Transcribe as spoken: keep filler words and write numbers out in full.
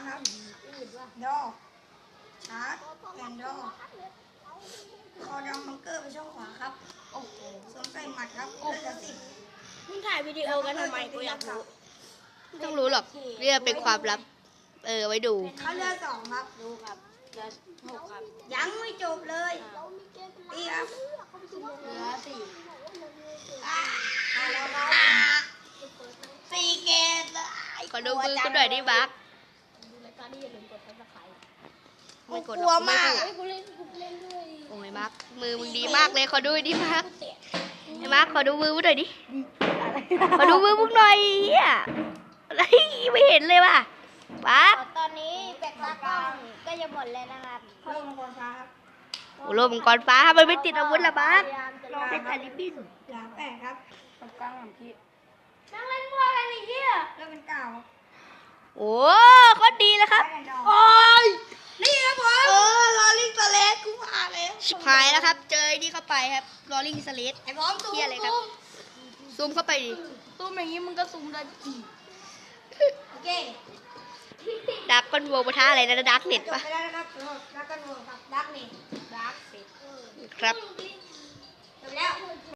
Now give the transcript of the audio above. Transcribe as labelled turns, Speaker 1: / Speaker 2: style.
Speaker 1: ครับดอชาร์จแอนดอคอดอมบังเกอร์ไปช่องขวาครับโอ้โหสวมใส่หมัดครับเลือดละสิบ
Speaker 2: มึงถ่ายวิดีโอกันทำไมกูอยากรู้
Speaker 3: ไม่ต้องรู้หรอกเรื่องเป็นความลับเออไว้ดู
Speaker 1: เขาเลือดสองครับ
Speaker 2: ดูครับเหลือหกครับ
Speaker 1: ยังไม่จบเลยตีครับ
Speaker 2: เหลือสี่
Speaker 1: อ่าแล้วครับสี่เกตเลย
Speaker 3: ขอดูมือกูหน่อยดิบัก
Speaker 2: ดูรายการนี้อย่าลืมกดซับสไครต์
Speaker 3: ไม่กด
Speaker 1: กลัวมาก
Speaker 2: เฮ้ยกูเล่นกูเล่นด้วย
Speaker 3: โอ้ยบักมือมึงดีมากเลยขอดูดิบัก
Speaker 2: กูเตะ
Speaker 3: ไอ้บักขอดูมือมึงหน่อยดิขอดูมือมึงหน่อยเฮียอะไรไม่เห็นเลยว่ะบัก
Speaker 2: ตอนนี้แบกตากล้องก็จะหมดเลยนะครับ
Speaker 1: เพิ่มมังกรฟ้าครับ
Speaker 3: โอ้โหมังกรฟ้ามันไม่ติดอาวุธละบัก
Speaker 2: พยายามจะรอ
Speaker 3: เป็นแต่ลิบบิน
Speaker 1: หลาแปดครับ
Speaker 2: ตรงกลางของพี่นั่งเล่นมั่วกันไอ้เหี้ย
Speaker 1: แล้วเป็นเก่า
Speaker 3: โอ้โคตรดีเลยครับ
Speaker 1: แอนดอ
Speaker 3: โอ้ย
Speaker 1: นี่ครับผมเออลอลิงสเลสกูมาแล้ว
Speaker 3: ชิบหายแล้วครับ เจอไอ้นี่เข้าไปครับลอริงสเลด
Speaker 1: ไอ้พร้อมซูม
Speaker 3: เฮียอะไรครับซูมเข้าไปดิ
Speaker 2: ซูมอย่างนี้มึงก็ซูมได้อีก
Speaker 1: โอเค
Speaker 3: ดักก้อนวัวปะทะอะไรนะดักเน็ต
Speaker 1: จบ
Speaker 3: ปะ
Speaker 1: ไปแล้วนะครับสำหรับดักกันโวครับดักนี่ดักสิ
Speaker 3: ครับ
Speaker 1: จบแล้ว